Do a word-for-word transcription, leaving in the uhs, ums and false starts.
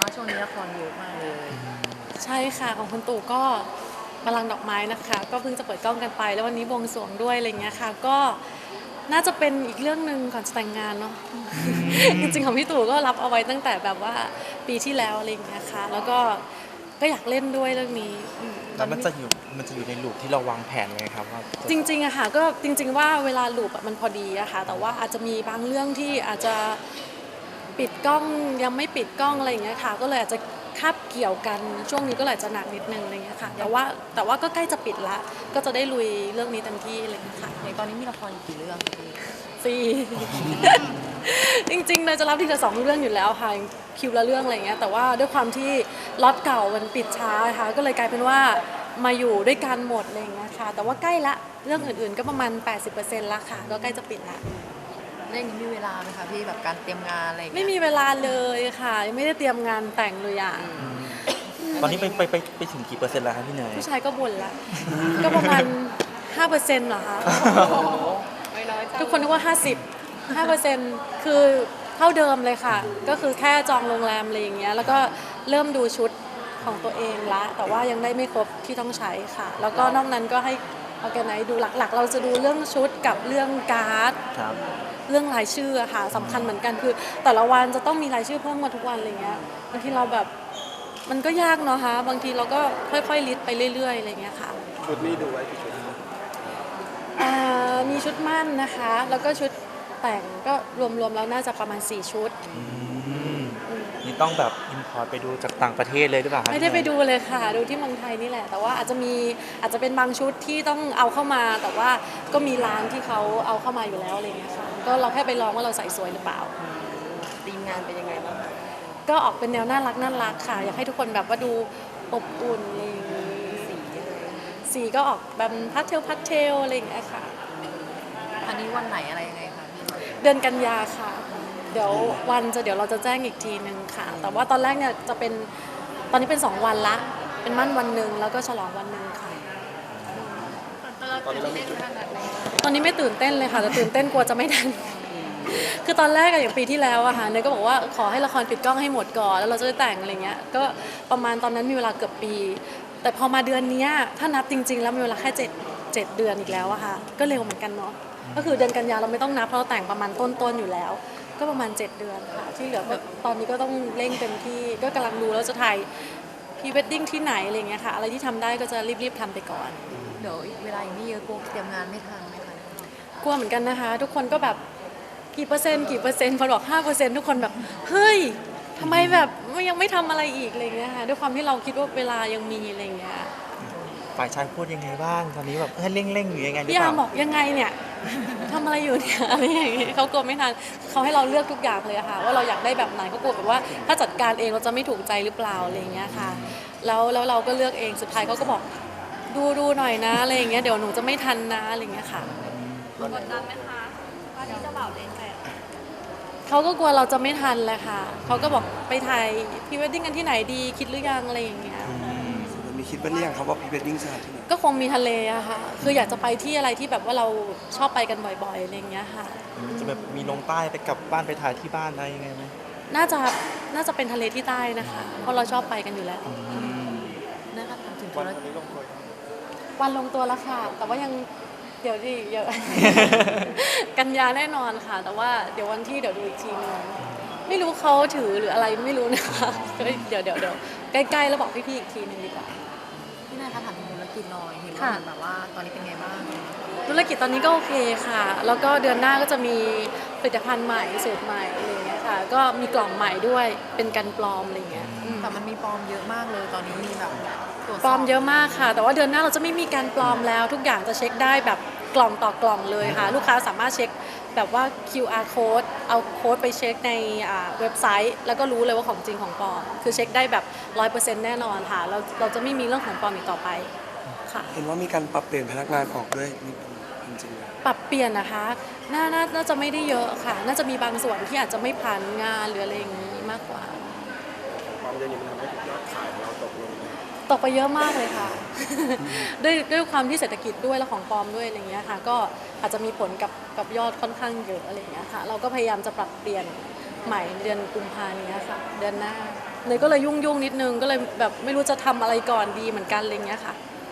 ว่าช่วงนี้ละครเยอะมากเลยใช่ค่ะของคุณตู่ก็บัลลังก์ดอกไม้นะคะก็เพิ่งจะเปิดกล้องกันไปแล้ววันนี้บวงสรวงด้วยอะไรเงี้ยค่ะก็น่าจะเป็นอีกเรื่องหนึ่งก่อนจะแต่งงานเนาะจริงๆของพี่ตู่ก็รับเอาไว้ตั้งแต่แบบว่าปีที่แล้วอะไรเงี้ยค่ะแล้วก็ก็อยากเล่นด้วยเรื่องนี้แล้วมันจะอยู่มันจะอยู่ในลูปที่เราวางแผนไงครับว่าจริงๆอะค่ะก็จริงๆว่าเวลาลูปอะมันพอดีอะค่ะแต่ว่าอาจจะมีบางเรื่องที่อาจจะปิดกล้องยังไม่ปิดกล้องอะไรอย่างเงี้ยค่ะก็เลยอาจจะคาบเกี่ยวกันช่วงนี้ก็เลยจะหนักนิดนึงอะไรเงี้ยค่ะแต่ว่าแต่ว่าก็ใกล้จะปิดละก็จะได้ลุยเรื่องนี้เต็มที่อะไรเงี้ยค่ะอย่างตอนนี้มีละครกี่เรื่องพี่สี่ จริงๆเลยจะรับทีละสองเรื่องอยู่แล้วค่ะคิวละเรื่องอะไรเงี้ยแต่ว่าด้วยความที่ล็อตเก่ามันปิดช้าค่ะก็เลยกลายเป็นว่ามาอยู่ด้วยกันหมดอะไรเงี้ยค่ะแต่ว่าใกล้ละเรื่องอื่นๆก็ประมาณ แปดสิบเปอร์เซ็นต์ ละค่ะก็ใกล้จะปิดละเรื่องนี้มีเวลาไหมคะพี่แบบการเตรียมงานอะไรไม่มีเวลาเลยค่ะยังไม่ได้เตรียมงานแต่งเลยอย่างตอนนี้ไปไปไปไปถึงกี่เปอร์เซ็นต์แล้วครับพี่เนยผู้ชายก็บ่นละก็ประมาณ ห้าเปอร์เซ็นต์ เหรอคะไม่น้อยจังทุกคนนึกว่าห้าสิบ ห้าเปอร์เซ็นต์ คือเท่าเดิมเลยค่ะก็คือแค่จองโรงแรมอะไรอย่างเงี้ยแล้วก็เริ่มดูชุดของตัวเองละแต่ว่ายังได้ไม่ครบที่ต้องใช้ค่ะแล้วก็นอกนั้นก็ให้เอาแกไหนดูหลักๆเราจะดูเรื่องชุดกับเรื่องการ์ดเรื่องรายชื่อค่ะสำคัญเหมือนกันคือแต่ละวันจะต้องมีรายชื่อเพิ่มมาทุกวันอะไรเงี้ยบางทีเราแบบมันก็ยากเนาะคะบางทีเราก็ค่อยๆลิสต์ไปเรื่อยๆอะไรเงี้ยค่ะชุดนี้ดูไว้กี่ชุดมีชุดมั่นนะคะแล้วก็ชุดแต่งก็รวมๆแล้วน่าจะประมาณสี่ชุดนี่ต้องแบบอินพอร์ตไปดูจากต่างประเทศเลยหรือเปล่าไม่ได้ไปดูเลยค่ะดูที่เมืองไทยนี่แหละแต่ว่าอาจจะมีอาจจะเป็นบางชุดที่ต้องเอาเข้ามาแต่ว่าก็มีร้านที่เขาเอาเข้ามาอยู่แล้วอะไรเงี้ยค่ะก็เราแค่ไปลองว่าเราใส่สวยหรือเปล่าทีมงานเป็นยังไงบ้างก็ออกเป็นแนวน่ารักน่ารักค่ะอยากให้ทุกคนแบบว่าดูอบอุ่นอะไรอย่างงี้สีสีก็ออกแบบพัสเทลพัสเทลอะไรอย่างเงี้ยค่ะอันนี้วันไหนอะไรยังไงคะพี่เดือนกันยาค่ะเดี๋ยววันจะเดี๋ยวเราจะแจ้งอีกทีนึงค่ะแต่ว่าตอนแรกเนี่ยจะเป็นตอนนี้เป็นสองวันละเป็นมั่นวันหนึ่งแล้วก็ฉลองวันหนึ่งค่ะตอนนี้เราไม่ตื่นตอนนี้ไม่ตื่นเต้นเลยค่ะแต่ตื่นเต้นกลัวจะไม่ทันคือตอนแรกอย่างปีที่แล้วอะค่ะเนยก็บอกว่าขอให้ละครปิดกล้องให้หมดก่อนแล้วเราจะได้แต่งอะไรเงี้ยก็ประมาณตอนนั้นมีเวลาเกือบปีแต่พอมาเดือนนี้ถ้านับจริงๆแล้วมีเวลาแค่เจ็ดเจ็ดเดือนอีกแล้วอะค่ะก็เร็วเหมือนกันเนาะก็คือเดือนกันยาเราไม่ต้องนับเพราะเราแต่งประมาณต้นๆอยู่แล้วก็ประมาณเจ็ดเดือนค่ะที่เหลือก็ตอนนี้ก็ต้องเร่งเต็มที่ก็กำลังดูแล้วจะถ่ายพรีเวดดิ้งที่ไหนอะไรเงี้ยค่ะอะไรที่ทำได้ก็จะรีบๆทำไปก่อนเดี๋ยวเวลาอย่างนี้เยอะกลัวเตรียมงานไม่ทันไหมคะกลัวเหมือนกันนะคะทุกคนก็แบบกี่เปอร์เซ็นต์กี่เปอร์เซ็นต์พอบอกห้าเปอร์เซ็นต์ทุกคนแบบเฮ้ยทำไมแบบยังไม่ทำอะไรอีกอะไรเงี้ยค่ะด้วยความที่เราคิดว่าเวลายังมีอะไรเงี้ยฝ่ายชายพูดยังไงบ้างตอนนี้แบบเร่งเร่งอยู่ยังไงหรือพี่เปล่าอาบอกยังไงเนี่ยทำอะไรอยู่เนี่ยอะไรอย่างเงี้ยเขากลัวไม่ทันเขาให้เราเลือกทุกอย่างเลยค่ะว่าเราอยากได้แบบไหนเขากลัวแบบว่าถ้าจัดการเองเราจะไม่ถูกใจหรือเปล่าอะไรเงี้ยค่ะแล้วแล้วเราก็เลือกเองสุดท้ายเขาก็บอกดูดูหน่อยนะอะไรอย่างเงี้ยเดี๋ยวหนูจะไม่ทันนะอะไรเงี้ยค่ะกดดันไหมคะว่าที่เจ้าบ่าวเล่นแฟนเขาก็กลัวเราจะไม่ทันแหละค่ะเขาก็บอกไปถ่ายพรีเวดดิ้งกันที่ไหนดีคิดหรือยังอะไรอย่างเงี้ยมีคิดบ้างหรือยังครับว่าพรีเวดดิ้งจะที่ไหนก็คงมีทะเลอะค่ะคืออยากจะไปที่อะไรที่แบบว่าเราชอบไปกันบ่อยๆอะไรอย่างเงี้ยค่ะจะแบบมีลงใต้ไปกลับบ้านไปถ่ายที่บ้านอะไรยังไงไหมน่าจะน่าจะเป็นทะเลที่ใต้นะคะเพราะเราชอบไปกันอยู่แล้วนะคะถามถึงวันนี้ลงตัววันลงตัวแล้วค่ะแต่ว่ายังเดี๋ยวดิเยอะกันยาแน่นอนค่ะแต่ว่าเดี๋ยววันที่เดี๋ยวดูอีกทีนึงไม่รู้เขาถือหรืออะไรไม่รู้นะคะเดี๋ยวเดี๋ยวเดี๋ยวใกล้ๆแล้วบอกพี่ๆอีกทีนึงดีกว่าพี่นายคะถามถึงธุรกิจหน่อยเห็นว่าแบบว่าตอนนี้เป็นไงบ้างธุรกิจตอนนี้ก็โอเคค่ะแล้วก็เดือนหน้าก็จะมีผลิตภัณฑ์ใหม่สูตรใหม่อะไรอย่างเงี้ยค่ะก็มีกล่องใหม่ด้วยเป็นกันปลอมอะไรอย่างเงี้ยแต่มันมีปลอมเยอะมากเลยตอนนี้มีแบบปลอมเยอะมากค่ะแต่ว่าเดือนหน้าเราจะไม่มีการปลอมแล้วทุกอย่างจะเช็คได้แบบกล่องต่อกล่องเลยค่ะลูกค้าสามารถเช็คแบบว่า คิว อาร์ code เอาโค้ดไปเช็คในเว็บไซต์แล้วก็รู้เลยว่าของจริงของปลอมคือเช็คได้แบบ ร้อยเปอร์เซ็นต์ แน่นอนค่ะเราเราจะไม่มีเรื่องของปลอมอีกต่อไปค่ะเห็นว่ามีการปรับเปลี่ยนพนักงานออกด้วยนี่จริงๆปรับเปลี่ยนนะคะน่าน่าจะไม่ได้เยอะค่ะน่าจะมีบางส่วนที่อาจจะไม่ผ่านงานหรืออะไรอย่างนี้มากกว่าความเย็นนี้มันทำให้ยอดขายของเราตกลงตกไปเยอะมากเลยค่ะ ด้วยด้วยความที่เศรษฐกิจด้วยและของปลอมด้วยอะไรเงี้ยค่ะก็อาจจะมีผลกับกับยอดค่อนข้างเยอะอะไรเงี้ยค่ะเราก็พยายามจะปรับเปลี่ยนใหม่เดือนกุมภาพันธ์นี้ค่ะเดือนหน้าเนยก็เลยยุ่งยุ่งๆนิดนึงก็เลยแบบไม่รู้จะทำอะไรก่อนดีเหมือนกันอะไรเงี้ยค่ะ